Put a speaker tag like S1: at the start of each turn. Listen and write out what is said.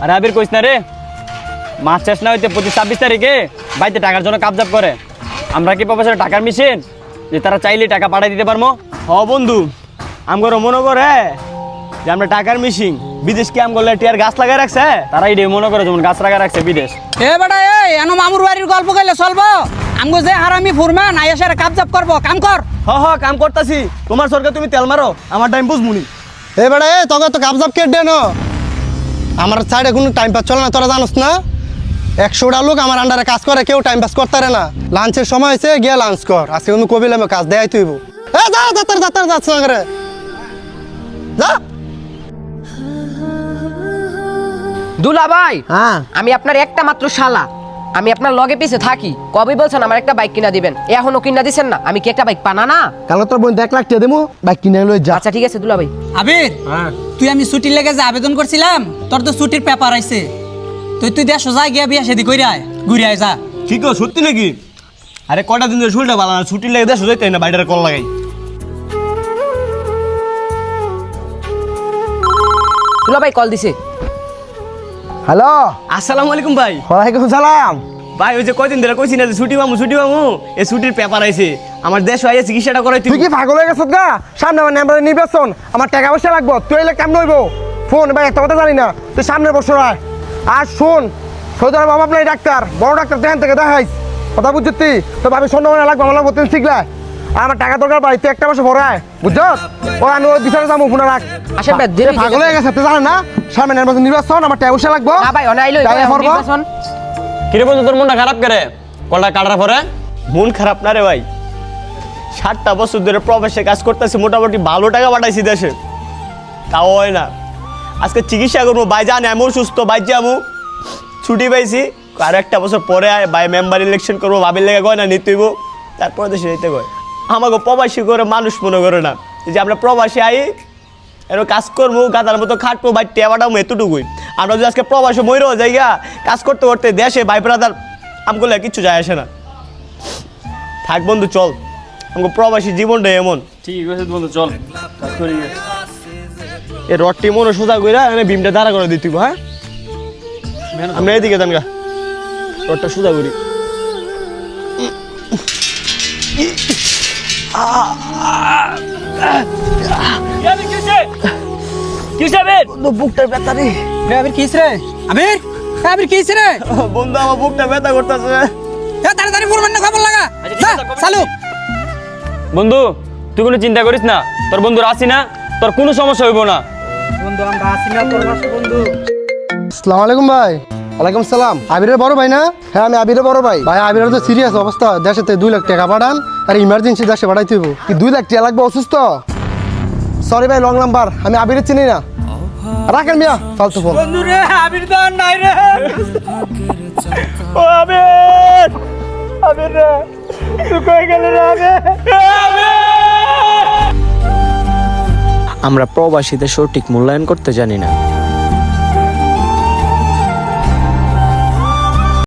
S1: আরে আবির কইস না রে, মাছ শেষ না হইতে 25-26 তারিখে বাড়িতে টাকার জন্য কাবজাব করে। আমরা কি প্রবাসের টাকার মেশিন যে তারা চাইলে টাকা পাঠাই দিতে পারবো?
S2: হ বন্ধু, আমগর মনে করে যে আমরা টাকার মিশিং বিদেশ কি আমগর টিয়ার গাছ লাগাই রাখছে।
S1: তারা এই মনে করে যেমন গাছ লাগা রাখছে বিদেশ।
S3: এ বেটা এই এনো মামুর বাড়ির গল্প কইলে চলবো? আমগো যে হারামি ফুরমান আইয়াসারে কাবজাব করবো, কাম কর।
S2: হ কাম করতাছি, তোমার সরকার তুমি তেল মারো, আমার টাইম বুঝমুনি।
S4: এ বেড়া এ তোকে তো কাবজাব কে দেন? আমার সাইডে কোনো টাইম পাস চলে না, তোরা জানোস না? 100টা লোক আমার আন্ডারে কাজ করে, কেউ টাইম পাস করতে পারে না। লাঞ্চের সময় হয়েছে, গিয়ে লাঞ্চ কর। আজকে কোনো কবিলে আমি কাজ দেয় তুইব। এ যা যাত্রা যাচ্ছে না করে যা।
S5: দুলা ভাই,
S4: হ্যাঁ
S5: আমি আপনার একটা মাত্র শালা, আমি আপনার লগে পিছে থাকি। কবে বলছেন আমার একটা বাইক কিনা দিবেন, এখনো কিনা দিছেন না? আমি কি একটা বাইক পানা না?
S4: কালো তোর বোন 1 লাখ টাকা দেবো, বাইক কিনে লই যা।
S5: আচ্ছা ঠিক আছে দুলা ভাই।
S3: আবির তুই আমি ছুটির লেগে যে আবেদন করছিলাম, তোর তো ছুটির পেপার আইছে। তুই দেশ যা গিয়া বিয়া শাদি কইরা আয়, ঘুরে আয় যা।
S2: ঠিক সত্যি নাকি? আরে কটা দিন ধরে শুলটা ভালো না, ছুটি লেগে দেশ যাইতে না, বাইরের কল লাগাই।
S5: দুলা ভাই কল দিছে।
S4: হ্যালো,
S2: আসসালামু আলাইকুম ভাই।
S4: ওয়ালাইকুম সালাম।
S2: ভাই ওই যে কয়দিন ধরে কইছি না যে ছুটি পামু এই ছুটির পেপার আইছে। আমার দেশ আইয়া চিকিৎসাটা করাই
S4: তুই কি পাগল হয়ে গেছিস গা? সামনে আমার নাম্বার নির্বাচন, আমার টাকা পয়সা লাগবো, তুই এলে কেমন হইব? ফোন ভাই একটা কথা জানি না, তুই সামনে বসে রাখ। আর শোন, সৌদি আরব বাবা আপনার ডাক্তার, বড় ডাক্তার দেখান থেকে দেখাইস, কথা বুঝছিস তুই? তো ভাবি সন্ধ্যা লাগবে, আমার লাগবো, তুই শিখলা। আর আমার টাকা দরকার ভাই, তুই একটা মাসে ভরায়, বুঝছ? ও আমি ওই বিচারে যাবো, ফোনে রাখ।
S5: আসেন ভাই, দেরি
S4: পাগল হয়ে গেছে, তুই জানেন না? সামনে নির্বাচন, আমার টাকা পয়সা লাগবো।
S5: না ভাই অনাইলো নির্বাচন।
S1: কিরে বন্ধু, তোর মনটা খারাপ করে কলটা কাটার পরে?
S2: মন খারাপ না রে ভাই, 7টা বছর ধরে প্রবাসে কাজ করতেছি, মোটামুটি ভালো টাকা পাঠাইছি দেশে, তাও হয় না। আজকে চিকিৎসা করবো, ভাই জানে আমি সুস্থ, ভাই যাবো, ছুটি পাইছি। আর 1টা বছর পরে ভাই মেম্বার ইলেকশন করবো, ভাবির লেগে কয় না নিতেইব, তারপরে দেশে যেতে কয়। আমাকে প্রবাসী করে মানুষ মনে করে না, যে আমরা প্রবাসী আই এরকম কাজ করবো, গাদার মতো খাটবো, ভাই টেবাটাও এতটুকুই। আমরা যদি আজকে প্রবাসে মরেও জায়গা কাজ করতে করতে দেশে ভাই ব্রাদার আমগুলো কিচ্ছু যায় আসে না। থাক বন্ধু চল, আমাকে প্রবাসী জীবনটা এমন।
S1: ঠিক আছে বন্ধু, চল কাজ করি।
S2: এই রডটি মনে সোজা কইরা এনে বিমটা দাঁড়া করে দিতে হইব। হ্যাঁ আমরা এদিকে যান গা, রডটা সোজা করি। বুকটার ব্যথা রে।
S3: আবির কিস রে? আবির আবির কিস রে?
S2: বন্ধু আমার বুকটা ব্যথা করতেছে।
S3: তাড়াতাড়ি ফুরমান না, খবর লাগা যা চালু।
S1: বন্ধু তুই কোনো চিন্তা করিস না, তোর বন্ধুরা আসি না, তোর কোনো সমস্যা হইব না।
S3: বন্ধু আমরা আছি না তোর পাশে বন্ধু।
S4: আসসালামু আলাইকুম ভাই। ওয়ালাইকুম সালাম। আবিরের বড় ভাই না? হ্যাঁ আমি আবিরের বড় ভাই। ভাই আবিরের তো সিরিয়াস অবস্থা, দেশেতে 2 লাখ টাকা পাঠান, আর ইমার্জেন্সি দেশে পাঠাইতে হইব। কি 2 লাখ টাকা লাগবে? অসুস্থ? সরি ভাই, রং নাম্বার, আমি আবিরের চিনি না। রাখেন মিয়া ফালতু ফোন।
S3: বন্ধু রে আবির তো আর নাই রে।
S2: ও আবির, আবির রে তুই কই গেলি রে আবির?
S6: আমরা প্রবাসীদের সঠিক মূল্যায়ন করতে জানি না।